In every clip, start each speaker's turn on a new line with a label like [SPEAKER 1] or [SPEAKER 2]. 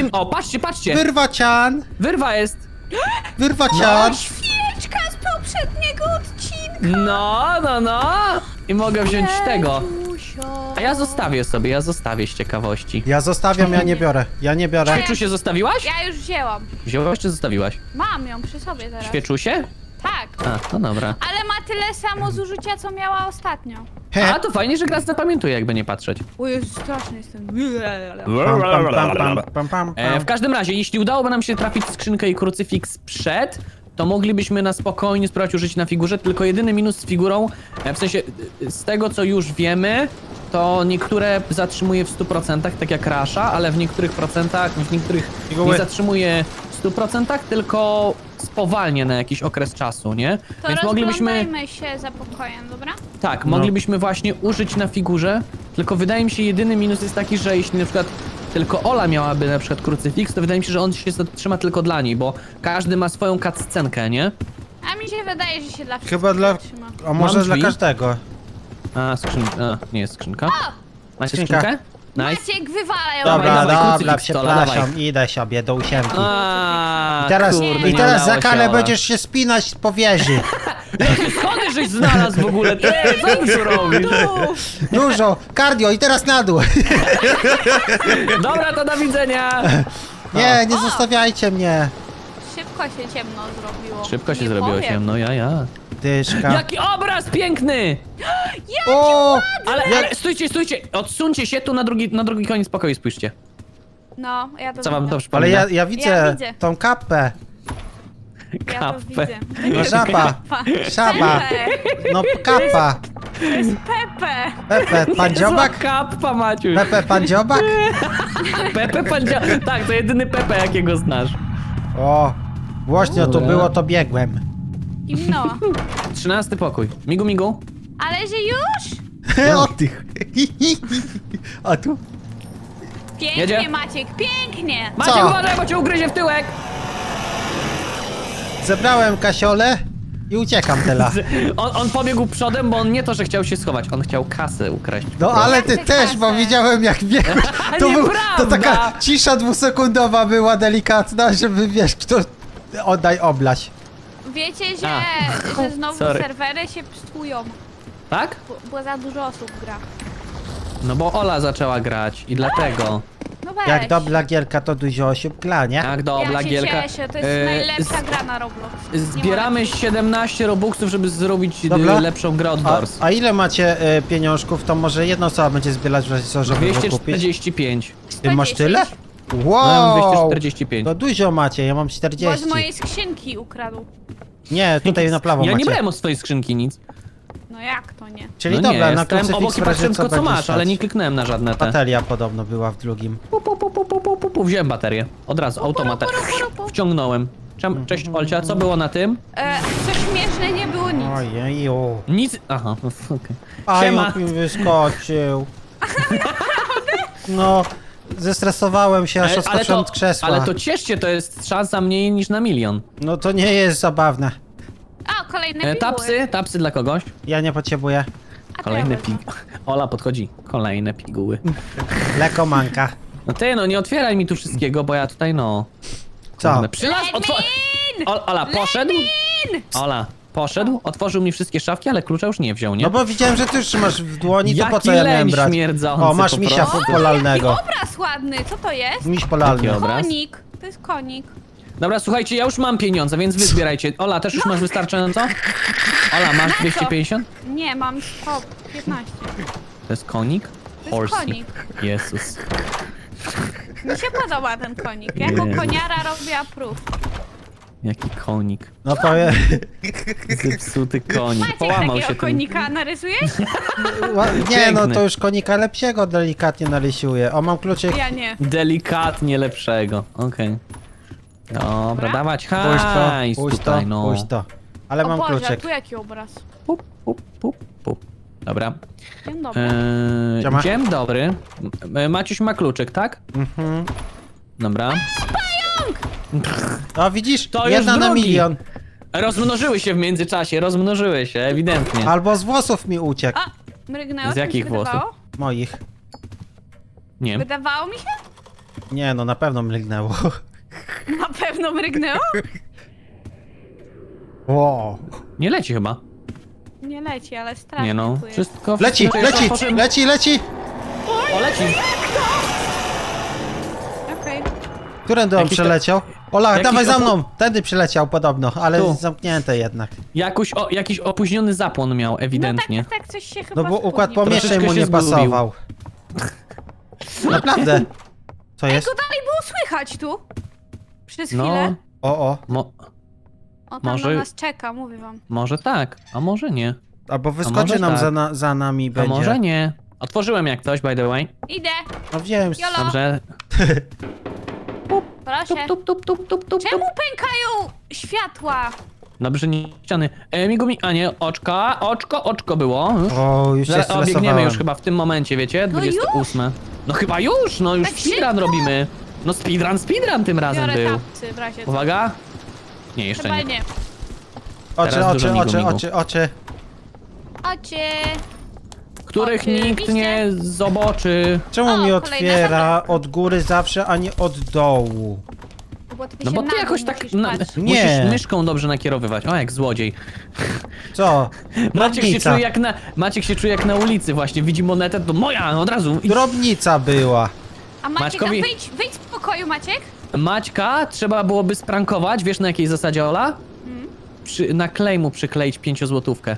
[SPEAKER 1] O, patrzcie, patrzcie!
[SPEAKER 2] Wyrwacian!
[SPEAKER 1] Wyrwa jest!
[SPEAKER 2] Wyrwacian!
[SPEAKER 3] Świeczka z poprzedniego odcinka!
[SPEAKER 1] No! I mogę wziąć tego.
[SPEAKER 3] Jeżusio.
[SPEAKER 1] A ja zostawię z ciekawości.
[SPEAKER 2] Ja zostawiam, ja nie biorę. Ja nie biorę.
[SPEAKER 1] Świeczusie zostawiłaś?
[SPEAKER 3] Ja już wzięłam.
[SPEAKER 1] Wziąłeś czy zostawiłaś?
[SPEAKER 3] Mam ją przy sobie teraz.
[SPEAKER 1] Świeczusie?
[SPEAKER 3] Tak.
[SPEAKER 1] A, no dobra.
[SPEAKER 3] Ale ma tyle samo zużycia, co miała ostatnio.
[SPEAKER 1] A, to fajnie, że gra zapamiętuje, jakby nie patrzeć.
[SPEAKER 3] O Jezu, straszny jestem.
[SPEAKER 2] Pam.
[SPEAKER 1] W każdym razie, jeśli udałoby nam się trafić skrzynkę i krucyfiks przed, to moglibyśmy na spokojnie spróbować użyć na figurze, tylko jedyny minus z figurą, w sensie z tego co już wiemy, to niektóre zatrzymuje w 100%, tak jak Rasha, ale w niektórych procentach, w niektórych
[SPEAKER 2] Figuły.
[SPEAKER 1] nie zatrzymuje w 100%, tylko spowalnia na jakiś okres czasu, nie?
[SPEAKER 3] To rozglądajmy się za pokojem, dobra?
[SPEAKER 1] Tak,
[SPEAKER 2] No.
[SPEAKER 1] moglibyśmy właśnie użyć na figurze, tylko wydaje mi się jedyny minus jest taki, że jeśli na przykład tylko Ola miałaby na przykład krucyfiks, to wydaje mi się, że on się zatrzyma tylko dla niej, bo każdy ma swoją cutscenkę, nie?
[SPEAKER 3] A mi się wydaje, że się dla wszystkich
[SPEAKER 2] Chyba dla...
[SPEAKER 3] trzyma.
[SPEAKER 2] A może
[SPEAKER 1] Mam
[SPEAKER 2] dla
[SPEAKER 1] drzwi?
[SPEAKER 2] każdego.
[SPEAKER 1] A, skrzynka. A, nie jest skrzynka. Macie
[SPEAKER 2] Skrzynka.
[SPEAKER 1] skrzynkę? Nice.
[SPEAKER 3] Maciek, wywalają.
[SPEAKER 2] Dobra,
[SPEAKER 1] dawaj,
[SPEAKER 2] dobra,
[SPEAKER 1] krucyfiks to,
[SPEAKER 2] przepraszam,
[SPEAKER 1] dawaj.
[SPEAKER 2] idę sobie do ósiemki.
[SPEAKER 1] A,
[SPEAKER 2] I teraz,
[SPEAKER 1] kurde,
[SPEAKER 2] i
[SPEAKER 1] nie
[SPEAKER 2] teraz
[SPEAKER 1] udało
[SPEAKER 2] za karę
[SPEAKER 1] się, Ola.
[SPEAKER 2] będziesz się spinać po wieży.
[SPEAKER 1] Skąd żeś znalazł w ogóle? Ty, co ty tu robisz?
[SPEAKER 2] Dużo, cardio i teraz na dół.
[SPEAKER 1] Dobra, to do widzenia.
[SPEAKER 2] Nie zostawiajcie mnie.
[SPEAKER 3] Szybko się ciemno zrobiło.
[SPEAKER 1] Szybko się
[SPEAKER 3] Nie
[SPEAKER 1] zrobiło
[SPEAKER 3] powiem.
[SPEAKER 1] ciemno, ja.
[SPEAKER 2] Dyszka.
[SPEAKER 1] Jaki obraz piękny!
[SPEAKER 2] O!
[SPEAKER 1] Ale stójcie, odsuńcie się tu na drugi koniec pokoju, spójrzcie.
[SPEAKER 3] No, ja to
[SPEAKER 1] Co wam
[SPEAKER 3] widzę.
[SPEAKER 1] to przypomina?
[SPEAKER 2] Ale ja
[SPEAKER 3] Ja
[SPEAKER 2] widzę
[SPEAKER 3] widzę.
[SPEAKER 2] tą kapę.
[SPEAKER 3] Ja to
[SPEAKER 1] Kapę.
[SPEAKER 3] widzę.
[SPEAKER 2] No żaba, szaba,
[SPEAKER 3] Pepe.
[SPEAKER 2] no kapa.
[SPEAKER 3] Pepe.
[SPEAKER 2] Pepe, pan dziobak?
[SPEAKER 1] Zła kappa, Maciuś.
[SPEAKER 2] Pepe, pan dziobak?
[SPEAKER 1] Pepe pan Tak, to jedyny Pepe, jakiego znasz.
[SPEAKER 2] O, głośno tu
[SPEAKER 1] Dobra.
[SPEAKER 2] było, to biegłem.
[SPEAKER 3] Zimno.
[SPEAKER 1] 13 pokój. Migu.
[SPEAKER 3] Ale że już?
[SPEAKER 2] O tych. A tu?
[SPEAKER 3] Pięknie,
[SPEAKER 1] Jedzie?
[SPEAKER 3] Maciek, pięknie.
[SPEAKER 1] Maciek,
[SPEAKER 2] Co?
[SPEAKER 1] uważaj, bo cię ugryzie w tyłek.
[SPEAKER 2] Zebrałem kasiolę i uciekam teraz.
[SPEAKER 1] On pobiegł przodem, bo on nie to, że chciał się schować, on chciał kasę ukraść.
[SPEAKER 2] No ale ty
[SPEAKER 3] Jak ty
[SPEAKER 2] też, bo
[SPEAKER 3] kasę?
[SPEAKER 2] widziałem jak biegłeś. To
[SPEAKER 1] Nieprawda!
[SPEAKER 2] taka cisza dwusekundowa była delikatna, żeby wiesz, kto... Oddaj oblaś.
[SPEAKER 3] Wiecie,
[SPEAKER 1] A.
[SPEAKER 3] że znowu
[SPEAKER 1] Sorry.
[SPEAKER 3] serwery się psują,
[SPEAKER 1] Tak?
[SPEAKER 3] bo za dużo osób gra.
[SPEAKER 1] No bo Ola zaczęła grać i dlatego.
[SPEAKER 3] No weź.
[SPEAKER 2] Jak dobra gierka, to dużo osób gra, nie?
[SPEAKER 1] Jak dobra
[SPEAKER 3] Ja się
[SPEAKER 1] Gielka.
[SPEAKER 3] cieszę, to jest najlepsza gra na Roblox. Nie
[SPEAKER 1] Zbieramy
[SPEAKER 3] mogę.
[SPEAKER 1] 17 robuxów, żeby zrobić
[SPEAKER 2] Dobra.
[SPEAKER 1] lepszą grę od Doors.
[SPEAKER 2] A ile macie pieniążków, to może jedna osoba będzie zbierać w razie co, żeby go kupić?
[SPEAKER 1] 245.
[SPEAKER 2] Ty masz
[SPEAKER 3] 110.
[SPEAKER 2] tyle?
[SPEAKER 1] No, ja mam
[SPEAKER 2] Wow!
[SPEAKER 1] 245.
[SPEAKER 2] To dużo macie, ja mam
[SPEAKER 3] Bo
[SPEAKER 2] 40.
[SPEAKER 3] z mojej skrzynki ukradł.
[SPEAKER 2] Nie, tutaj na prawo
[SPEAKER 1] Ja
[SPEAKER 2] macie.
[SPEAKER 1] nie brałem od swojej skrzynki nic.
[SPEAKER 3] No jak to nie?
[SPEAKER 2] Czyli
[SPEAKER 1] No
[SPEAKER 2] dobra,
[SPEAKER 1] nie,
[SPEAKER 2] na
[SPEAKER 1] stałem obok
[SPEAKER 2] krucyfiks
[SPEAKER 1] i
[SPEAKER 2] w razie
[SPEAKER 1] patrzyłem
[SPEAKER 2] co
[SPEAKER 1] tylko co
[SPEAKER 2] będzie
[SPEAKER 1] masz, ale
[SPEAKER 2] stać.
[SPEAKER 1] nie kliknąłem na żadne te.
[SPEAKER 2] Bateria podobno była w drugim.
[SPEAKER 1] Wziąłem baterię. Od razu, automatem. Wciągnąłem. Cześć Olcia, co było na tym?
[SPEAKER 3] Co śmieszne, nie było nic.
[SPEAKER 2] Ojeju.
[SPEAKER 1] Nic. Aha, okej.
[SPEAKER 2] A
[SPEAKER 1] Siema.
[SPEAKER 2] jak mi wyskoczył. No, zestresowałem się, aż odskoczyłem od krzesła.
[SPEAKER 1] ale to cieszcie, to jest szansa mniej niż na 1 000 000.
[SPEAKER 2] No to nie jest zabawne.
[SPEAKER 3] A, kolejne piguły.
[SPEAKER 1] Tapsy dla kogoś.
[SPEAKER 2] Ja nie potrzebuję.
[SPEAKER 3] A to
[SPEAKER 1] Kolejne
[SPEAKER 3] ja wezmę.
[SPEAKER 1] Ola podchodzi. Kolejne piguły.
[SPEAKER 2] Lekomanka.
[SPEAKER 1] No ty, no nie otwieraj mi tu wszystkiego, bo ja tutaj no...
[SPEAKER 2] Co?
[SPEAKER 1] Kurde, Ola, poszedł?
[SPEAKER 3] Lenin!
[SPEAKER 1] Ola, poszedł, otworzył mi wszystkie szafki, ale klucza już nie wziął, nie?
[SPEAKER 2] No bo widziałem, że ty już trzymasz w dłoni, to po
[SPEAKER 1] Jaki
[SPEAKER 2] co ja miałem
[SPEAKER 1] leń
[SPEAKER 2] brać?
[SPEAKER 1] śmierdzący
[SPEAKER 2] O, masz
[SPEAKER 1] po
[SPEAKER 2] misia
[SPEAKER 1] prostu.
[SPEAKER 2] polalnego.
[SPEAKER 3] Obraz ładny, co to jest?
[SPEAKER 2] Miś polalny.
[SPEAKER 1] Jaki obraz?
[SPEAKER 3] Konik. To jest konik.
[SPEAKER 1] Dobra, słuchajcie, ja już mam pieniądze, więc wy zbierajcie. Ola, też już masz wystarczająco? Ola, masz 250?
[SPEAKER 3] Nie, mam 115.
[SPEAKER 1] To jest konik?
[SPEAKER 3] To jest konik.
[SPEAKER 1] Jezus.
[SPEAKER 3] Mi się podoba ten konik. Jako
[SPEAKER 1] Nie.
[SPEAKER 3] koniara robię prób.
[SPEAKER 1] Jaki konik.
[SPEAKER 2] No powiem...
[SPEAKER 1] Zepsuty konik.
[SPEAKER 3] Maciek
[SPEAKER 1] Połamał się
[SPEAKER 3] takiego
[SPEAKER 1] ten...
[SPEAKER 3] konika narysujesz?
[SPEAKER 2] Nie, no
[SPEAKER 1] Piękny.
[SPEAKER 2] to już konika lepszego delikatnie narysuję. O, mam kluczyk.
[SPEAKER 3] Ja nie.
[SPEAKER 1] Delikatnie lepszego. Okej. Dobra, dawać
[SPEAKER 2] Puść to,
[SPEAKER 1] hajs
[SPEAKER 2] puść to,
[SPEAKER 1] tutaj, no.
[SPEAKER 2] puść to. Ale
[SPEAKER 3] O
[SPEAKER 2] mam
[SPEAKER 3] Boże, a
[SPEAKER 2] kluczyk.
[SPEAKER 3] tu jaki obraz?
[SPEAKER 1] Pup, pup, pup, pup. Dobra.
[SPEAKER 3] Dzień dobry.
[SPEAKER 2] Siema.
[SPEAKER 1] Dzień dobry. Maciuś ma kluczyk, tak?
[SPEAKER 2] Mhm.
[SPEAKER 1] Dobra.
[SPEAKER 2] No widzisz,
[SPEAKER 1] To już
[SPEAKER 2] jedna na
[SPEAKER 1] drugi.
[SPEAKER 2] milion.
[SPEAKER 1] Rozmnożyły się w międzyczasie, rozmnożyły się, ewidentnie.
[SPEAKER 2] Albo z włosów mi uciekł.
[SPEAKER 3] A, mrygnęło?
[SPEAKER 1] Z
[SPEAKER 3] Co mi
[SPEAKER 1] jakich
[SPEAKER 3] się
[SPEAKER 1] włosów?
[SPEAKER 3] wydawało?
[SPEAKER 2] Moich.
[SPEAKER 1] Nie.
[SPEAKER 3] Wydawało mi się?
[SPEAKER 2] Nie no, na pewno mrygnęło.
[SPEAKER 3] Na pewno mrygnęło?
[SPEAKER 2] Wow.
[SPEAKER 1] Nie leci chyba.
[SPEAKER 3] Nie leci, ale strasznie
[SPEAKER 1] Nie no,
[SPEAKER 3] tu jest.
[SPEAKER 1] wszystko...
[SPEAKER 2] Leci,
[SPEAKER 1] wszystko
[SPEAKER 2] leci,
[SPEAKER 1] poszedł-
[SPEAKER 2] leci, leci!
[SPEAKER 1] O, leci!
[SPEAKER 3] Okej.
[SPEAKER 2] Którędy on
[SPEAKER 1] Jakiś to-
[SPEAKER 2] przeleciał? Ola,
[SPEAKER 1] jakiś
[SPEAKER 2] dawaj za
[SPEAKER 1] opo-
[SPEAKER 2] mną! Tędy przyleciał podobno, ale
[SPEAKER 1] Tu.
[SPEAKER 2] zamknięte jednak.
[SPEAKER 1] Jakiś opóźniony zapłon miał, ewidentnie.
[SPEAKER 3] No tak, coś się chyba
[SPEAKER 2] No bo układ
[SPEAKER 3] spóźnił.
[SPEAKER 2] pomieszczeń
[SPEAKER 1] Troszeczkę
[SPEAKER 2] mu
[SPEAKER 1] się
[SPEAKER 2] nie
[SPEAKER 1] zgubił.
[SPEAKER 2] pasował. Naprawdę. Co
[SPEAKER 3] Ej,
[SPEAKER 2] jest?
[SPEAKER 3] go dalej było słychać tu. Przez
[SPEAKER 1] No,
[SPEAKER 3] chwilę.
[SPEAKER 2] O.
[SPEAKER 3] O, tam
[SPEAKER 1] może-
[SPEAKER 3] na nas czeka, mówię wam.
[SPEAKER 1] może tak, a może nie.
[SPEAKER 2] Albo
[SPEAKER 1] może
[SPEAKER 2] wyskoczy nam
[SPEAKER 1] tak.
[SPEAKER 2] za nami
[SPEAKER 1] A
[SPEAKER 2] będzie.
[SPEAKER 1] może nie. Otworzyłem jak coś, by the way.
[SPEAKER 3] Idę,
[SPEAKER 2] No wiem.
[SPEAKER 3] Jolo.
[SPEAKER 1] Dobrze.
[SPEAKER 3] proszę.
[SPEAKER 1] Tup.
[SPEAKER 3] Czemu pękają światła?
[SPEAKER 1] Dobrze, nie ściany. Migumi, a nie, oczko było. Już.
[SPEAKER 2] O, już się
[SPEAKER 1] Zaraz biegniemy
[SPEAKER 2] stresowałem.
[SPEAKER 1] już chyba w tym momencie, wiecie?
[SPEAKER 3] No
[SPEAKER 1] 28. No chyba już, no już
[SPEAKER 3] Tak
[SPEAKER 1] speedrun
[SPEAKER 3] szybko?
[SPEAKER 1] robimy. No speedrun tym razem
[SPEAKER 3] Biorę
[SPEAKER 1] był.
[SPEAKER 3] tapcy w razie co.
[SPEAKER 1] Uwaga. Nie, jeszcze
[SPEAKER 3] Chyba
[SPEAKER 1] nie.
[SPEAKER 3] nie.
[SPEAKER 2] Oczy,
[SPEAKER 1] Teraz
[SPEAKER 2] oczy,
[SPEAKER 1] dużo
[SPEAKER 2] oczy,
[SPEAKER 1] migu.
[SPEAKER 2] oczy, oczy.
[SPEAKER 3] Ocie.
[SPEAKER 1] Których
[SPEAKER 3] Oczywiście.
[SPEAKER 1] nikt nie zobaczy.
[SPEAKER 2] Czemu
[SPEAKER 3] O,
[SPEAKER 2] mi
[SPEAKER 3] kolejna
[SPEAKER 2] otwiera od góry zawsze, a nie od dołu?
[SPEAKER 3] Bo ty
[SPEAKER 1] No
[SPEAKER 3] się
[SPEAKER 1] bo
[SPEAKER 3] na
[SPEAKER 1] ty
[SPEAKER 3] dół
[SPEAKER 1] jakoś tak
[SPEAKER 3] musisz
[SPEAKER 1] na,
[SPEAKER 3] patrzeć.
[SPEAKER 2] Nie.
[SPEAKER 1] musisz myszką dobrze nakierowywać. O, jak złodziej.
[SPEAKER 2] Co?
[SPEAKER 1] Maciek się czuje jak na ulicy właśnie. Widzi monetę, to moja, od razu. I
[SPEAKER 2] Drobnica była.
[SPEAKER 3] A Maciek,
[SPEAKER 1] Maćkowi-
[SPEAKER 3] wyjdź z pokoju, Maciek.
[SPEAKER 1] Maćka trzeba byłoby sprankować. Wiesz na jakiej zasadzie, Ola? Na klej mu przykleić 5-złotówkę.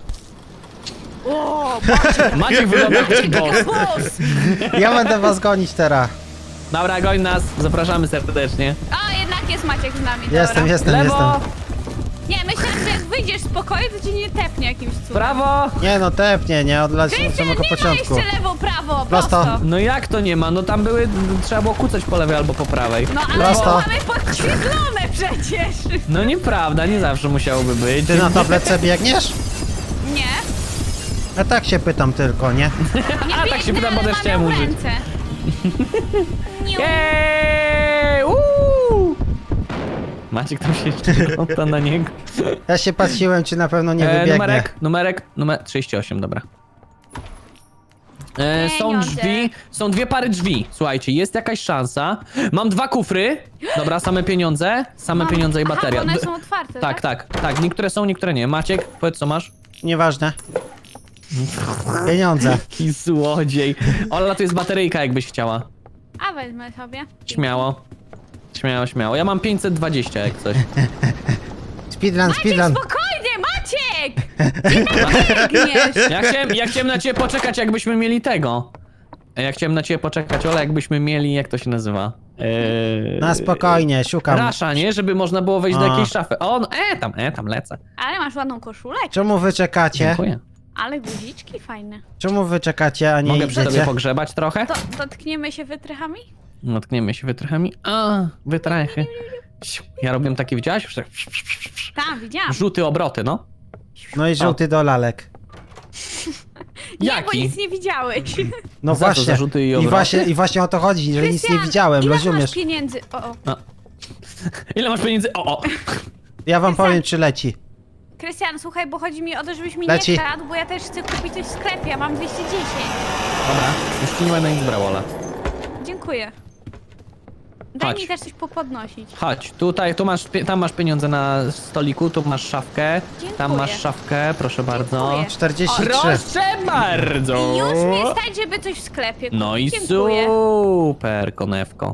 [SPEAKER 3] O,
[SPEAKER 1] Maciek wygląda jak boss.
[SPEAKER 3] boss!
[SPEAKER 2] Ja będę was gonić teraz.
[SPEAKER 1] Dobra, goń nas. Zapraszamy serdecznie.
[SPEAKER 3] A, jednak jest Maciek z nami, dobra.
[SPEAKER 2] Jestem.
[SPEAKER 1] Lewo,
[SPEAKER 3] Nie, myślę, że jak wyjdziesz z pokoju, to cię nie tepnie jakimś cudem.
[SPEAKER 1] prawo.
[SPEAKER 2] Nie no, tepnie, nie? Od
[SPEAKER 3] Krystian,
[SPEAKER 2] samego
[SPEAKER 3] nie ma
[SPEAKER 2] początku.
[SPEAKER 3] jeszcze lewo, prawo,
[SPEAKER 2] Prosto.
[SPEAKER 3] prosto.
[SPEAKER 1] No jak to nie ma? No tam były, trzeba było kucać po lewej albo po prawej.
[SPEAKER 3] No ale
[SPEAKER 2] Prosto.
[SPEAKER 3] to mamy podświetlone przecież.
[SPEAKER 1] No nieprawda, nie zawsze musiałoby być.
[SPEAKER 2] Ty na tabletce biegniesz?
[SPEAKER 3] Nie,
[SPEAKER 2] Ja tak się pytam tylko, nie?
[SPEAKER 3] nie
[SPEAKER 1] A, tak się
[SPEAKER 3] biegnę,
[SPEAKER 1] pytam, bo
[SPEAKER 3] ale
[SPEAKER 1] też
[SPEAKER 3] mam
[SPEAKER 1] chciałem
[SPEAKER 3] ją w
[SPEAKER 1] użyć.
[SPEAKER 3] ręce. Niu.
[SPEAKER 1] Jej! Maciek tam się jeszcze wygląda na niego.
[SPEAKER 2] Ja się patrzyłem, czy na pewno nie wybiegnie.
[SPEAKER 1] Numer 38, dobra. Są
[SPEAKER 3] Pieniądze.
[SPEAKER 1] drzwi, są dwie pary drzwi. Słuchajcie, jest jakaś szansa. Mam dwa kufry. Dobra, same pieniądze i bateria.
[SPEAKER 3] Aha, one są otwarte,
[SPEAKER 1] Tak. Niektóre są, niektóre nie. Maciek, powiedz co masz.
[SPEAKER 2] Nieważne. Pieniądze.
[SPEAKER 1] Jaki złodziej. Ola, tu jest bateryjka, jakbyś chciała.
[SPEAKER 3] A wezmę sobie.
[SPEAKER 1] Śmiało. Śmiało. Ja mam 520 jak coś.
[SPEAKER 2] Speedrun,
[SPEAKER 3] Maciek,
[SPEAKER 2] speedrun.
[SPEAKER 3] spokojnie, Maciek! Gdzie tak biegniesz?
[SPEAKER 1] Ja chciałem na ciebie poczekać, jakbyśmy mieli tego. Ja chciałem na ciebie poczekać, Ola, jakbyśmy mieli, jak to się nazywa?
[SPEAKER 2] Na spokojnie, szukam.
[SPEAKER 1] Rasza, nie? Żeby można było wejść do
[SPEAKER 2] A.
[SPEAKER 1] jakiejś szafy. O, no, tam lecę.
[SPEAKER 3] Ale masz ładną koszulę.
[SPEAKER 2] Czemu wy czekacie?
[SPEAKER 1] Dziękuję.
[SPEAKER 3] Ale guziczki fajne.
[SPEAKER 2] Czemu wy czekacie, a nie
[SPEAKER 1] Mogę przy tobie
[SPEAKER 2] idziecie?
[SPEAKER 1] pogrzebać trochę?
[SPEAKER 3] To dotkniemy się wytrychami?
[SPEAKER 1] Natkniemy się wytrychami. A, wytrychy. Ja robiłem takie, widziałaś?
[SPEAKER 3] Tak, widziałam.
[SPEAKER 1] Rzuty, obroty, no.
[SPEAKER 2] No i żółty do lalek.
[SPEAKER 3] Nie, bo
[SPEAKER 1] Jaki?
[SPEAKER 3] nic nie widziałeś.
[SPEAKER 2] No
[SPEAKER 1] Za to
[SPEAKER 2] właśnie.
[SPEAKER 1] zarzuty i
[SPEAKER 2] I
[SPEAKER 1] obroty?
[SPEAKER 2] właśnie o to chodzi, że nic nie
[SPEAKER 3] Krystian,
[SPEAKER 2] widziałem,
[SPEAKER 3] ile
[SPEAKER 2] rozumiesz?
[SPEAKER 3] masz pieniędzy? O.
[SPEAKER 1] Ile masz pieniędzy? O.
[SPEAKER 2] Ja wam
[SPEAKER 3] Krystian.
[SPEAKER 2] powiem, czy leci.
[SPEAKER 3] Krystian, słuchaj, bo chodzi mi o to, żebyś mi
[SPEAKER 2] Leci.
[SPEAKER 3] nie kradł, bo ja też chcę kupić coś w sklepie, ja mam 210.
[SPEAKER 1] Dobra, już ci nie będę nic brał, Ola.
[SPEAKER 3] Dziękuję. Daj
[SPEAKER 1] Chodź.
[SPEAKER 3] mi też coś popodnosić.
[SPEAKER 1] Chodź, tutaj, tam masz pieniądze na stoliku, tu masz szafkę.
[SPEAKER 3] Dziękuję.
[SPEAKER 1] Tam masz szafkę, proszę bardzo.
[SPEAKER 3] Dziękuję.
[SPEAKER 2] 43.
[SPEAKER 1] Proszę bardzo!
[SPEAKER 3] I już mnie stać, żeby coś w sklepie kupić.
[SPEAKER 1] No i
[SPEAKER 3] Dziękuję.
[SPEAKER 1] super, konewko.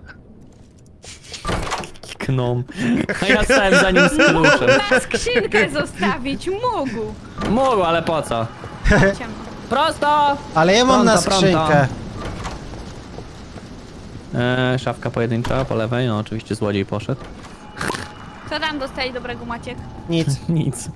[SPEAKER 1] Kikną. A ja stałem za nim z kluczem.
[SPEAKER 3] Na skrzynkę zostawić, mógł.
[SPEAKER 1] Mógł, ale po co?
[SPEAKER 3] Ciemno.
[SPEAKER 1] Prosto!
[SPEAKER 2] Ale ja mam na
[SPEAKER 1] Pronto, pronto.
[SPEAKER 2] skrzynkę.
[SPEAKER 1] Szafka pojedyncza po lewej, no oczywiście złodziej poszedł.
[SPEAKER 3] Co tam dostali dobrego, Maciek?
[SPEAKER 2] Nic.
[SPEAKER 1] Nic.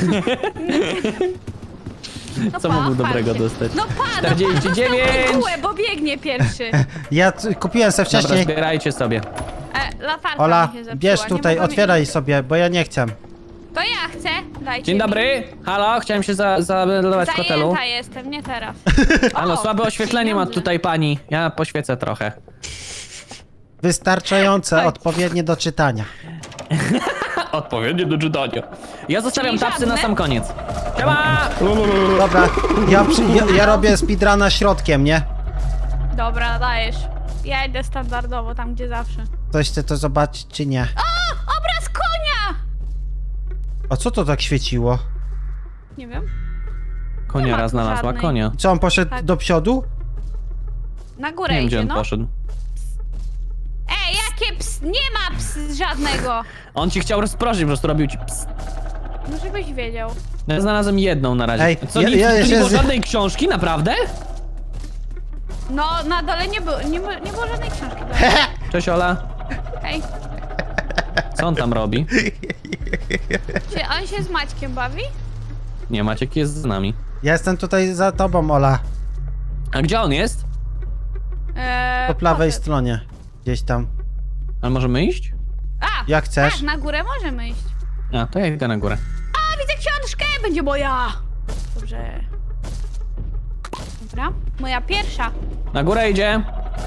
[SPEAKER 3] No
[SPEAKER 1] Co
[SPEAKER 3] pa,
[SPEAKER 1] mógł
[SPEAKER 3] chwal
[SPEAKER 1] dobrego
[SPEAKER 3] się.
[SPEAKER 1] dostać?
[SPEAKER 3] No pa,
[SPEAKER 1] 49.
[SPEAKER 3] Bułę, bo biegnie pierwszy.
[SPEAKER 2] Ja kupiłem se
[SPEAKER 1] Dobra,
[SPEAKER 2] wcześniej.
[SPEAKER 1] zbierajcie sobie.
[SPEAKER 3] Latarka
[SPEAKER 2] Ola,
[SPEAKER 3] mi się zepsuła.
[SPEAKER 2] bierz
[SPEAKER 3] nie
[SPEAKER 2] tutaj,
[SPEAKER 3] mogłam
[SPEAKER 2] otwieraj
[SPEAKER 3] iść.
[SPEAKER 2] sobie, bo ja nie chcę.
[SPEAKER 3] To ja chcę, dajcie
[SPEAKER 1] Dzień
[SPEAKER 3] mi.
[SPEAKER 1] dobry, halo, chciałem się zameldować w hotelu.
[SPEAKER 3] Zajęta jestem, nie teraz.
[SPEAKER 1] Halo,
[SPEAKER 3] O,
[SPEAKER 1] słabe oświetlenie ma
[SPEAKER 3] pieniądze.
[SPEAKER 1] tutaj pani. Ja poświecę trochę.
[SPEAKER 2] Wystarczające,
[SPEAKER 3] Chodź.
[SPEAKER 2] odpowiednie do czytania.
[SPEAKER 1] Odpowiednie do czytania. Ja zostawiam
[SPEAKER 3] Czyli
[SPEAKER 1] tapsy na
[SPEAKER 3] żadne?
[SPEAKER 1] sam koniec. Siema!
[SPEAKER 2] Dobra, ja robię speedruna środkiem, nie?
[SPEAKER 3] Dobra, dajesz. Ja idę standardowo, tam gdzie zawsze.
[SPEAKER 2] Ktoś chce to zobaczyć, czy nie?
[SPEAKER 3] Obraz konia!
[SPEAKER 2] A co to tak świeciło?
[SPEAKER 3] Nie wiem. Nie
[SPEAKER 1] Koniara
[SPEAKER 3] ma tu
[SPEAKER 1] znalazła
[SPEAKER 3] żadnej.
[SPEAKER 1] konia.
[SPEAKER 2] Co, on poszedł
[SPEAKER 3] Tak.
[SPEAKER 2] do przodu?
[SPEAKER 3] Na górę
[SPEAKER 1] Nie wiem, gdzie
[SPEAKER 3] idzie,
[SPEAKER 1] on
[SPEAKER 3] no.
[SPEAKER 1] poszedł.
[SPEAKER 3] Ej, jakie ps? Nie ma ps żadnego.
[SPEAKER 1] On ci chciał rozproszyć, po prostu robił ci pst.
[SPEAKER 3] No żebyś wiedział.
[SPEAKER 1] Ja znalazłem jedną na razie.
[SPEAKER 2] Ej,
[SPEAKER 1] Co,
[SPEAKER 2] ja-
[SPEAKER 1] nic,
[SPEAKER 2] ja
[SPEAKER 1] tu nie
[SPEAKER 2] jeszcze
[SPEAKER 1] było
[SPEAKER 2] z-
[SPEAKER 1] żadnej książki, naprawdę?
[SPEAKER 3] No, na dole nie było, nie było żadnej książki.
[SPEAKER 1] Cześć Ola.
[SPEAKER 3] Ej,
[SPEAKER 1] Co on tam robi?
[SPEAKER 3] czy on się z Maćkiem bawi?
[SPEAKER 1] Nie, Maciek jest z nami.
[SPEAKER 2] Ja jestem tutaj za tobą, Ola.
[SPEAKER 1] A gdzie on jest?
[SPEAKER 2] Po prawej
[SPEAKER 3] poszedł.
[SPEAKER 2] stronie. Gdzieś tam.
[SPEAKER 1] Ale możemy iść?
[SPEAKER 3] A,
[SPEAKER 2] Jak chcesz?
[SPEAKER 3] tak, na górę możemy iść.
[SPEAKER 1] A, to ja idę na górę.
[SPEAKER 3] A, widzę książkę, będzie moja. Dobrze. Dobra, moja pierwsza.
[SPEAKER 1] Na górę idzie.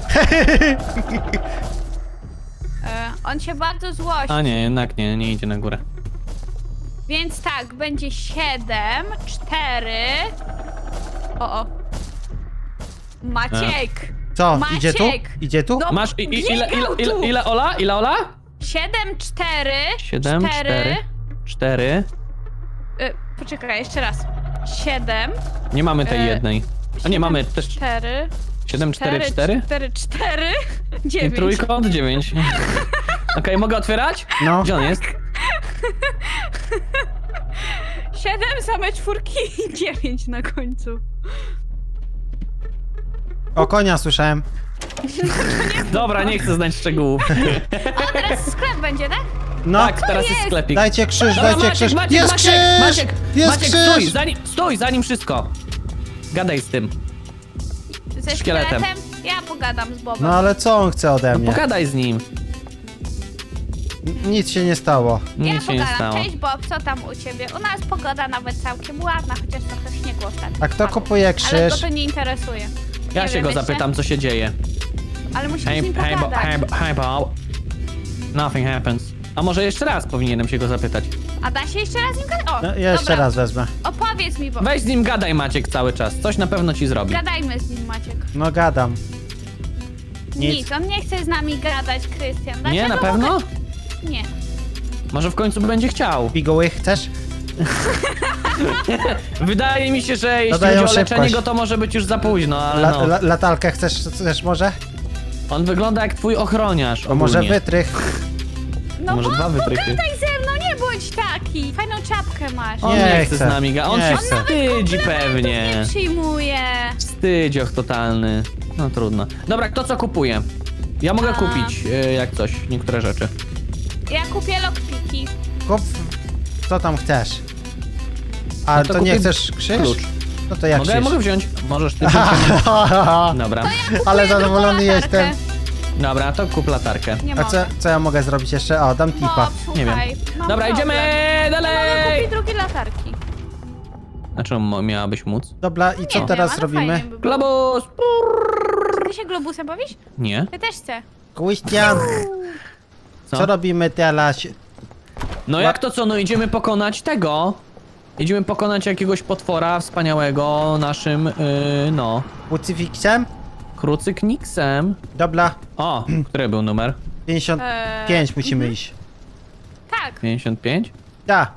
[SPEAKER 3] On się bardzo złości.
[SPEAKER 1] A nie, jednak nie idzie na górę.
[SPEAKER 3] Więc tak, będzie 7, 4. O. Maciek!
[SPEAKER 2] Co,
[SPEAKER 3] Maciek!
[SPEAKER 2] idzie tu? Idzie tu?
[SPEAKER 3] No,
[SPEAKER 1] Masz
[SPEAKER 3] biegał tu.
[SPEAKER 1] ile Ola? Ile Ola?
[SPEAKER 3] 7, 4.
[SPEAKER 1] 7, 4.
[SPEAKER 3] Poczekaj, jeszcze raz. 7.
[SPEAKER 1] Nie mamy tej jednej. A nie, mamy też
[SPEAKER 3] 4.
[SPEAKER 1] 7, 4, 4?
[SPEAKER 3] 4, 4.
[SPEAKER 1] I
[SPEAKER 3] 9.
[SPEAKER 1] trójkąt 9. Okej, mogę otwierać?
[SPEAKER 2] No.
[SPEAKER 1] Gdzie on jest?
[SPEAKER 3] 7, same czwórki i 9 na końcu.
[SPEAKER 2] O, konia słyszałem.
[SPEAKER 1] Dobra, nie chcę znać szczegółów.
[SPEAKER 3] A teraz sklep będzie, tak?
[SPEAKER 2] No,
[SPEAKER 1] Tak, teraz jest
[SPEAKER 3] jest?
[SPEAKER 1] sklepik.
[SPEAKER 2] dajcie krzyż,
[SPEAKER 1] Dobra,
[SPEAKER 2] dajcie krzyż. Jest krzyż! Jest
[SPEAKER 1] Maciek,
[SPEAKER 2] krzyż!
[SPEAKER 1] stój, zanim wszystko. Gadaj z tym.
[SPEAKER 3] Ze
[SPEAKER 1] Szkieletem.
[SPEAKER 3] szkieletem? Ja pogadam z Bobem.
[SPEAKER 2] No ale co on chce ode
[SPEAKER 1] No
[SPEAKER 2] mnie?
[SPEAKER 1] pogadaj z nim.
[SPEAKER 2] Nic się nie stało.
[SPEAKER 3] Ja
[SPEAKER 1] Nic się nie
[SPEAKER 3] pogadam.
[SPEAKER 1] stało.
[SPEAKER 3] Cześć Bob, co tam u ciebie? U nas pogoda nawet całkiem ładna, chociaż trochę śniegu ostatnio.
[SPEAKER 2] A kto
[SPEAKER 3] spadło.
[SPEAKER 2] kupuje
[SPEAKER 3] Ale go
[SPEAKER 2] krzyż?
[SPEAKER 3] to nie interesuje.
[SPEAKER 1] Ja
[SPEAKER 3] Nie
[SPEAKER 1] się
[SPEAKER 3] wiem,
[SPEAKER 1] go
[SPEAKER 3] wiecie?
[SPEAKER 1] zapytam, co się dzieje.
[SPEAKER 3] Ale musimy z
[SPEAKER 1] Hey,
[SPEAKER 3] nim
[SPEAKER 1] hey,
[SPEAKER 3] pogadać.
[SPEAKER 1] hey, Bob. Nothing happens. A może jeszcze raz powinienem się go zapytać?
[SPEAKER 3] A da się jeszcze raz z nim gadać? O,
[SPEAKER 2] No, ja jeszcze
[SPEAKER 3] dobra.
[SPEAKER 2] raz wezmę.
[SPEAKER 3] Opowiedz mi, Bob.
[SPEAKER 1] Weź z nim gadaj, Maciek, cały czas. Coś na pewno ci zrobi.
[SPEAKER 3] Gadajmy z nim, Maciek.
[SPEAKER 2] No gadam. Nic.
[SPEAKER 3] Nic, on nie chce z nami gadać, Krystian.
[SPEAKER 1] Nie,
[SPEAKER 3] Dlaczego
[SPEAKER 1] na pewno?
[SPEAKER 3] mogę- Nie.
[SPEAKER 1] Może w końcu będzie chciał.
[SPEAKER 2] Piguły chcesz?
[SPEAKER 1] Wydaje mi się, że jeśli
[SPEAKER 2] Dodają
[SPEAKER 1] chodzi o leczenie
[SPEAKER 2] szybkość.
[SPEAKER 1] go, to może być już za późno, ale no.
[SPEAKER 2] Latarkę chcesz może?
[SPEAKER 1] On wygląda jak twój ochroniarz
[SPEAKER 2] To może
[SPEAKER 1] ogólnie.
[SPEAKER 2] wytrych?
[SPEAKER 3] No
[SPEAKER 1] Może
[SPEAKER 3] Bob,
[SPEAKER 1] dwa wytrychy.
[SPEAKER 3] pogadaj ze mną, nie bądź taki. Fajną czapkę masz.
[SPEAKER 1] On
[SPEAKER 2] Nie
[SPEAKER 1] nie chce
[SPEAKER 2] chcę.
[SPEAKER 1] z nami On
[SPEAKER 2] Nie
[SPEAKER 1] się
[SPEAKER 2] chcę.
[SPEAKER 1] wstydzi pewnie.
[SPEAKER 3] Nie przyjmuje.
[SPEAKER 1] Wstydzioch totalny. No trudno. Dobra, kto co kupuje? Ja mogę
[SPEAKER 3] A.
[SPEAKER 1] kupić, jak coś, niektóre rzeczy.
[SPEAKER 3] Ja kupię lockpiki.
[SPEAKER 2] Kup, co tam chcesz? A
[SPEAKER 1] No to
[SPEAKER 2] to nie
[SPEAKER 1] kupię
[SPEAKER 2] chcesz krzyż?
[SPEAKER 1] klucz.
[SPEAKER 2] No to jak
[SPEAKER 1] Mogę,
[SPEAKER 2] krzyż?
[SPEAKER 1] mogę wziąć. Możesz ty wziąć. Dobra.
[SPEAKER 2] Ale
[SPEAKER 3] Kupuję
[SPEAKER 2] zadowolony
[SPEAKER 3] drugą latarkę.
[SPEAKER 2] jestem.
[SPEAKER 1] Dobra, to kup latarkę.
[SPEAKER 3] Nie
[SPEAKER 2] A
[SPEAKER 3] mogę.
[SPEAKER 2] co ja mogę zrobić jeszcze? O, dam tipa.
[SPEAKER 3] Bob,
[SPEAKER 1] Nie wiem.
[SPEAKER 3] słuchaj, mam
[SPEAKER 1] Dobra,
[SPEAKER 3] problem.
[SPEAKER 1] idziemy
[SPEAKER 3] Nie mogę
[SPEAKER 1] dalej!
[SPEAKER 3] kupić drugiej latarki.
[SPEAKER 1] A czemu miałabyś móc?
[SPEAKER 2] Dobra, i co
[SPEAKER 3] Nie
[SPEAKER 2] teraz
[SPEAKER 3] wiem, ale
[SPEAKER 2] robimy?
[SPEAKER 3] fajnie by było.
[SPEAKER 1] Globus!
[SPEAKER 3] Czy ty się globusem bawisz?
[SPEAKER 1] Nie.
[SPEAKER 3] Ja też chcę.
[SPEAKER 2] Christian, co robimy teraz?
[SPEAKER 1] No jak to co, no idziemy pokonać tego. Idziemy pokonać jakiegoś potwora wspaniałego naszym, no,
[SPEAKER 2] Krucyfiksem?
[SPEAKER 1] krucykniksem.
[SPEAKER 2] Dobra,
[SPEAKER 1] O, który był numer?
[SPEAKER 2] 55 musimy iść.
[SPEAKER 3] Tak.
[SPEAKER 1] 55?
[SPEAKER 2] Da.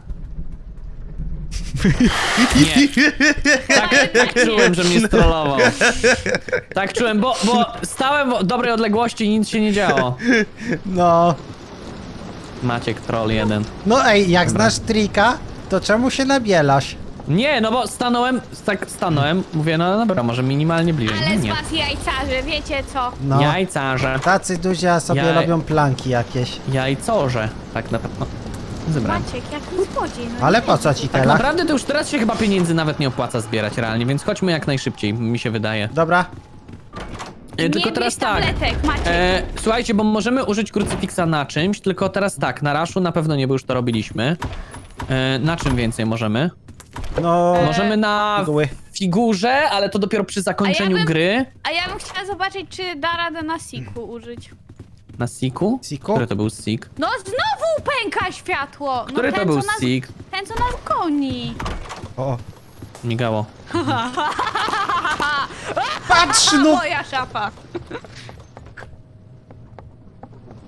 [SPEAKER 1] Nie. Tak czułem, że mnie strollował. Tak czułem, bo stałem w dobrej odległości i nic się nie działo.
[SPEAKER 2] No.
[SPEAKER 1] Maciek troll jeden.
[SPEAKER 2] No ej, jak znasz trika, to czemu się nabielasz?
[SPEAKER 1] Nie, no bo stanąłem, mówię, no dobra, może minimalnie bliżej.
[SPEAKER 3] Ale
[SPEAKER 1] No
[SPEAKER 3] z
[SPEAKER 1] nie.
[SPEAKER 3] was jajcarze, wiecie co?
[SPEAKER 2] No.
[SPEAKER 1] Jajcarze.
[SPEAKER 2] Tacy duzi, a sobie
[SPEAKER 1] Jaj.
[SPEAKER 2] robią planki jakieś.
[SPEAKER 1] Jajcorze. Tak na pewno. Zebrałem.
[SPEAKER 3] Maciek, jaki złodziej. No
[SPEAKER 2] Ale
[SPEAKER 3] nie.
[SPEAKER 2] po co ci
[SPEAKER 1] Tak
[SPEAKER 2] tela?
[SPEAKER 1] naprawdę to już teraz się chyba pieniędzy nawet nie opłaca zbierać realnie, więc chodźmy jak najszybciej, mi się wydaje.
[SPEAKER 2] Dobra.
[SPEAKER 1] Tylko
[SPEAKER 3] Nie
[SPEAKER 1] teraz
[SPEAKER 3] bierz
[SPEAKER 1] tak.
[SPEAKER 3] tabletek, Maciek.
[SPEAKER 1] Słuchajcie, bo możemy użyć krucyfiksa na czymś, tylko teraz tak, na raszu na pewno nie, bo już to robiliśmy. Na czym więcej możemy?
[SPEAKER 2] No.
[SPEAKER 1] Możemy na
[SPEAKER 2] Piguły.
[SPEAKER 1] figurze, ale to dopiero przy zakończeniu
[SPEAKER 3] bym-
[SPEAKER 1] gry.
[SPEAKER 3] A ja bym chciała zobaczyć, czy da radę na siku użyć.
[SPEAKER 1] Na siku?
[SPEAKER 2] Siku?
[SPEAKER 1] Który to był sik?
[SPEAKER 3] No znowu pęka światło!
[SPEAKER 1] Który
[SPEAKER 3] no,
[SPEAKER 1] to
[SPEAKER 3] ten,
[SPEAKER 1] był
[SPEAKER 3] co nas-
[SPEAKER 1] sik?
[SPEAKER 3] Ten, co nas goni.
[SPEAKER 2] O.
[SPEAKER 1] Migało.
[SPEAKER 2] Patrz no!
[SPEAKER 3] Moja szafa.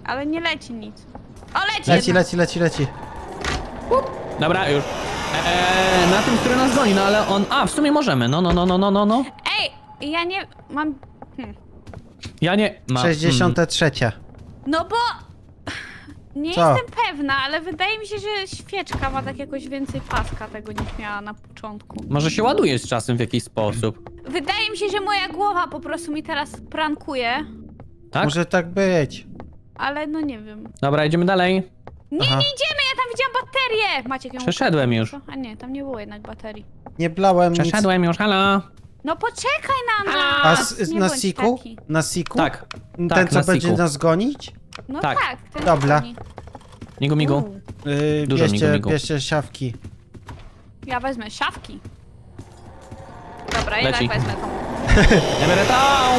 [SPEAKER 3] Ale nie leci nic. O, leci
[SPEAKER 2] Leci,
[SPEAKER 3] jedna.
[SPEAKER 2] leci.
[SPEAKER 1] Dobra, już. Na tym, który nas goni, no ale on... A, w sumie możemy, no.
[SPEAKER 3] Ej, ja nie mam...
[SPEAKER 1] Ja nie... Ma...
[SPEAKER 2] 63.
[SPEAKER 3] No bo... Nie
[SPEAKER 2] Co?
[SPEAKER 3] jestem pewna, ale wydaje mi się, że świeczka ma tak jakoś więcej paska tego niż miała na początku.
[SPEAKER 1] Może się ładuje z czasem w jakiś sposób.
[SPEAKER 3] Wydaje mi się, że moja głowa po prostu mi teraz prankuje,
[SPEAKER 1] Tak?
[SPEAKER 2] Może tak być.
[SPEAKER 3] ale no nie wiem.
[SPEAKER 1] Dobra, idziemy dalej.
[SPEAKER 3] Nie,
[SPEAKER 2] Aha.
[SPEAKER 3] nie idziemy, ja tam widziałam baterię! Maciek ją
[SPEAKER 1] Przeszedłem już.
[SPEAKER 3] Co? A nie, tam nie było jednak baterii.
[SPEAKER 2] Nie blałem nic.
[SPEAKER 1] Przeszedłem już, halo.
[SPEAKER 3] No poczekaj na
[SPEAKER 1] A
[SPEAKER 3] nas! Nie
[SPEAKER 2] na
[SPEAKER 3] bądź
[SPEAKER 2] siku?
[SPEAKER 3] taki.
[SPEAKER 2] Na siku?
[SPEAKER 1] Tak.
[SPEAKER 2] Ten,
[SPEAKER 1] tak,
[SPEAKER 2] co
[SPEAKER 1] na
[SPEAKER 2] będzie
[SPEAKER 1] siku.
[SPEAKER 2] nas gonić?
[SPEAKER 3] No
[SPEAKER 1] Tak.
[SPEAKER 3] tak, ten
[SPEAKER 2] Dobra.
[SPEAKER 3] dzwoni.
[SPEAKER 1] Migu. Dużo
[SPEAKER 2] Bierzcie,
[SPEAKER 1] migu.
[SPEAKER 2] bierzcie siawki.
[SPEAKER 3] Ja wezmę szafki. Dobra,
[SPEAKER 1] Leci.
[SPEAKER 3] jednak wezmę tą.
[SPEAKER 1] Ja biorę tą.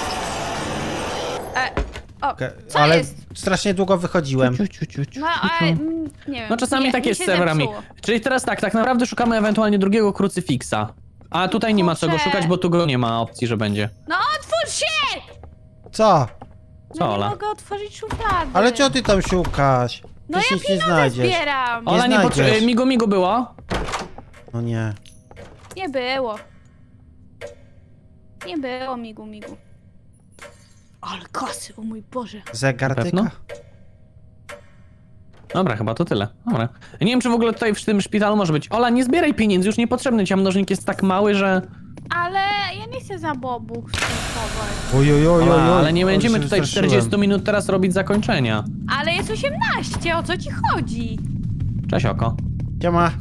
[SPEAKER 3] O,
[SPEAKER 2] Okej,
[SPEAKER 3] co
[SPEAKER 2] Ale
[SPEAKER 3] jest?
[SPEAKER 2] strasznie długo wychodziłem.
[SPEAKER 3] No, ale nie wiem.
[SPEAKER 1] No czasami
[SPEAKER 3] nie,
[SPEAKER 1] tak
[SPEAKER 3] mi
[SPEAKER 1] jest
[SPEAKER 3] się
[SPEAKER 1] z serwerami.
[SPEAKER 3] zepsuło.
[SPEAKER 1] Czyli teraz tak naprawdę szukamy ewentualnie drugiego krucyfiksa. A tutaj nie ma co go
[SPEAKER 3] Kurczę.
[SPEAKER 1] szukać, bo tu go nie ma opcji, że będzie.
[SPEAKER 3] No otwórz się!
[SPEAKER 2] Co?
[SPEAKER 1] Co,
[SPEAKER 3] No nie
[SPEAKER 1] Ola?
[SPEAKER 3] mogę otworzyć szuflady.
[SPEAKER 2] Ale co ty tam szukasz?
[SPEAKER 3] No
[SPEAKER 2] Ty
[SPEAKER 3] ja
[SPEAKER 2] nic nie
[SPEAKER 3] pieniądze
[SPEAKER 2] znajdziesz.
[SPEAKER 3] zbieram.
[SPEAKER 1] Ola nie
[SPEAKER 2] znajdziesz.
[SPEAKER 1] potrzebuje. Migu było.
[SPEAKER 2] No nie.
[SPEAKER 3] Nie było. Nie było migu. Ale kasy, o mój Boże.
[SPEAKER 2] Zegar
[SPEAKER 1] Na pewno?
[SPEAKER 2] tyka?
[SPEAKER 1] Dobra, chyba to tyle. Dobra. Ja nie wiem, czy w ogóle tutaj w tym szpitalu może być. Ola, nie zbieraj pieniędzy, już niepotrzebny ci, a mnożnik jest tak mały, że...
[SPEAKER 3] Ale ja nie chcę za bobu skupować.
[SPEAKER 2] Oj.
[SPEAKER 1] Ola, ale nie
[SPEAKER 2] Ale
[SPEAKER 1] będziemy
[SPEAKER 2] się
[SPEAKER 1] tutaj
[SPEAKER 2] wystraszyłem.
[SPEAKER 1] 40 minut teraz robić zakończenia.
[SPEAKER 3] Ale jest 18, o co ci chodzi?
[SPEAKER 1] Cześć, oko.
[SPEAKER 2] Siema.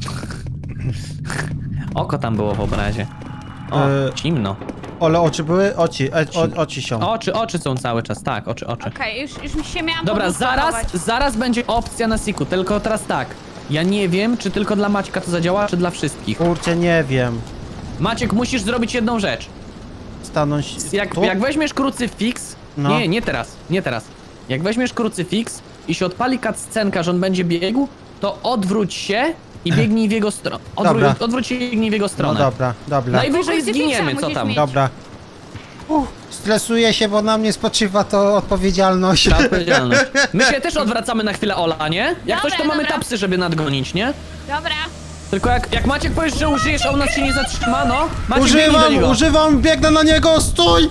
[SPEAKER 1] Oko tam było w obrazie. O, zimno.
[SPEAKER 2] Ole, oczy były? Oci są.
[SPEAKER 1] Oczy są cały czas, tak, oczy.
[SPEAKER 3] Okej, już mi się miałam
[SPEAKER 1] Dobra,
[SPEAKER 3] podrukować.
[SPEAKER 1] zaraz będzie opcja na siku, tylko teraz tak. Ja nie wiem, czy tylko dla Maćka to zadziała, czy dla wszystkich.
[SPEAKER 2] Kurczę, nie wiem.
[SPEAKER 1] Maciek, musisz zrobić jedną rzecz.
[SPEAKER 2] Stanąć tu?
[SPEAKER 1] Jak weźmiesz krucyfiks...
[SPEAKER 2] No.
[SPEAKER 1] Nie teraz. Jak weźmiesz krucyfiks i się odpali cutscenka, że on będzie biegł, to odwróć się i biegnij w jego stronę.
[SPEAKER 2] Dobra.
[SPEAKER 1] Odwróć się i biegnij w jego
[SPEAKER 2] No
[SPEAKER 1] stronę.
[SPEAKER 2] dobra.
[SPEAKER 1] Najwyżej
[SPEAKER 3] Krucyfiksa
[SPEAKER 1] zginiemy, co
[SPEAKER 3] musisz
[SPEAKER 1] tam.
[SPEAKER 3] mieć.
[SPEAKER 2] Dobra. Stresuję się, bo na mnie spoczywa to odpowiedzialność.
[SPEAKER 1] Ta odpowiedzialność. My się też odwracamy na chwilę, Ola, nie? Jak coś, to
[SPEAKER 3] Dobra,
[SPEAKER 1] mamy
[SPEAKER 3] dobra.
[SPEAKER 1] tapsy, żeby nadgonić, nie?
[SPEAKER 3] Dobra.
[SPEAKER 1] Tylko jak Maciek powiesz, że użyjesz, a u nas się nie zatrzyma, no. Maciek, biegnij do niego.
[SPEAKER 2] Używam, biegnę na niego, stój!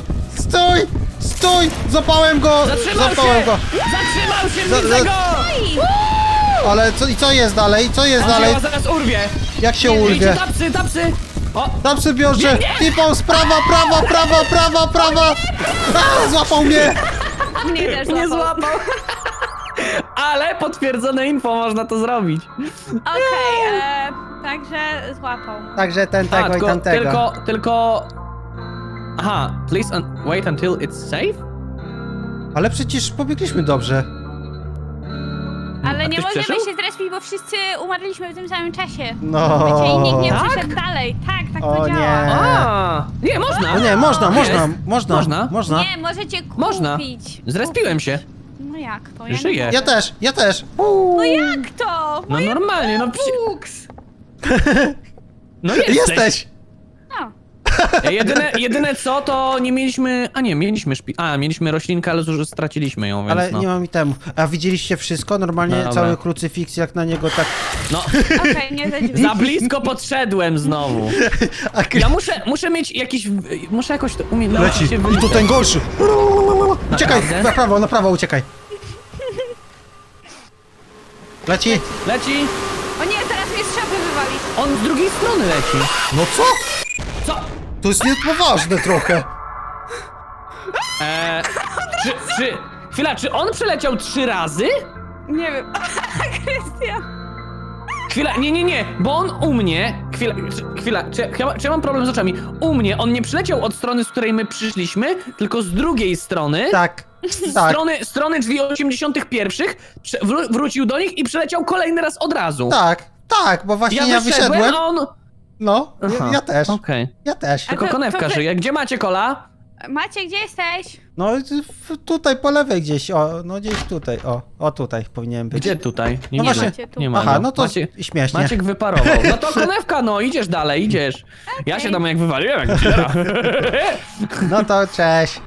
[SPEAKER 2] Zapałem go!
[SPEAKER 1] Zatrzymał
[SPEAKER 2] Zapałem
[SPEAKER 1] się!
[SPEAKER 2] go!
[SPEAKER 1] Zatrzymał się,
[SPEAKER 2] Za-
[SPEAKER 1] widzę go!
[SPEAKER 2] Ale co jest dalej? Co jest
[SPEAKER 1] On
[SPEAKER 2] dalej?
[SPEAKER 1] się zaraz urwie.
[SPEAKER 2] Jak się
[SPEAKER 1] Idzie
[SPEAKER 2] urwie?
[SPEAKER 1] tapsy. O,
[SPEAKER 2] Tam sobie biorze! Tipą z prawa! A, złapał mnie!
[SPEAKER 3] Mnie też
[SPEAKER 1] nie
[SPEAKER 3] złapał.
[SPEAKER 1] złapał. Ale potwierdzone info, można to zrobić.
[SPEAKER 3] Okej, także złapał.
[SPEAKER 2] Także ten tego i
[SPEAKER 1] tylko,
[SPEAKER 2] tamtego.
[SPEAKER 1] tylko... Aha, please wait until it's safe?
[SPEAKER 2] Ale przecież pobiegliśmy dobrze.
[SPEAKER 3] Ale
[SPEAKER 1] A
[SPEAKER 3] nie
[SPEAKER 1] ktoś
[SPEAKER 3] możemy
[SPEAKER 1] przeżył?
[SPEAKER 3] się zrespić, bo wszyscy umarliśmy w tym samym czasie.
[SPEAKER 2] No.
[SPEAKER 3] Wiecie, i nikt nie
[SPEAKER 1] Tak?
[SPEAKER 3] przeszedł dalej. Tak
[SPEAKER 2] O
[SPEAKER 3] to
[SPEAKER 2] nie.
[SPEAKER 3] działa.
[SPEAKER 1] A, nie, można.
[SPEAKER 2] No nie, można.
[SPEAKER 1] Można.
[SPEAKER 3] Nie, możecie kupić.
[SPEAKER 1] Można. Zrespiłem się.
[SPEAKER 3] No jak to?
[SPEAKER 1] Żyję.
[SPEAKER 2] Ja też.
[SPEAKER 3] No jak to?
[SPEAKER 1] No normalnie, no
[SPEAKER 3] Fuks.
[SPEAKER 1] No jesteś.
[SPEAKER 3] No.
[SPEAKER 1] Jedyne co, to nie mieliśmy... A nie, mieliśmy roślinkę, ale już straciliśmy ją, więc
[SPEAKER 2] Ale
[SPEAKER 1] no.
[SPEAKER 2] nie mam temu. A widzieliście wszystko? Normalnie
[SPEAKER 1] No dobra.
[SPEAKER 2] cały krucyfiks jak na niego tak...
[SPEAKER 1] No,
[SPEAKER 3] Okej, nie za drzwi.
[SPEAKER 1] za blisko podszedłem znowu. Ja muszę mieć jakiś... Muszę jakoś to umieć nauczyć się
[SPEAKER 2] I
[SPEAKER 1] wyliczać.
[SPEAKER 2] to ten gorszy. Uciekaj,
[SPEAKER 1] Naprawdę?
[SPEAKER 2] na prawo uciekaj. Leci.
[SPEAKER 1] Leci.
[SPEAKER 3] O nie, teraz mnie z szafy wywali.
[SPEAKER 1] On z drugiej strony leci.
[SPEAKER 2] No co?
[SPEAKER 1] Co?
[SPEAKER 2] To jest niepoważne trochę.
[SPEAKER 1] Chwila, czy on przeleciał 3 razy?
[SPEAKER 3] Nie wiem. Krystian.
[SPEAKER 1] Chwila, nie, bo on u mnie... Chwila, czy ja mam problem z oczami? U mnie on nie przyleciał od strony, z której my przyszliśmy, tylko z drugiej strony.
[SPEAKER 2] Tak.
[SPEAKER 1] Strony drzwi 81. Wrócił do nich i przeleciał kolejny raz od razu.
[SPEAKER 2] Tak, bo właśnie ja
[SPEAKER 1] wyszedłem,
[SPEAKER 2] wyszedłem.
[SPEAKER 1] a on...
[SPEAKER 2] No,
[SPEAKER 1] Aha,
[SPEAKER 2] ja też.
[SPEAKER 1] Okej.
[SPEAKER 2] Ja też.
[SPEAKER 1] Tylko
[SPEAKER 3] to-
[SPEAKER 1] konewka
[SPEAKER 3] to wy-
[SPEAKER 1] żyje. Gdzie macie kola?
[SPEAKER 3] Macie, gdzie jesteś?
[SPEAKER 2] No tutaj po lewej gdzieś, no gdzieś tutaj, o tutaj powinien być.
[SPEAKER 1] Gdzie tutaj?
[SPEAKER 2] No właśnie.
[SPEAKER 3] Macie tu.
[SPEAKER 1] Nie ma
[SPEAKER 2] Aha,
[SPEAKER 1] go.
[SPEAKER 2] no to śmiesznie.
[SPEAKER 1] Maciek wyparował. No to konewka, no idziesz dalej, idziesz. Ja się tam jak wywaliłem, jak dziera.
[SPEAKER 2] No to cześć.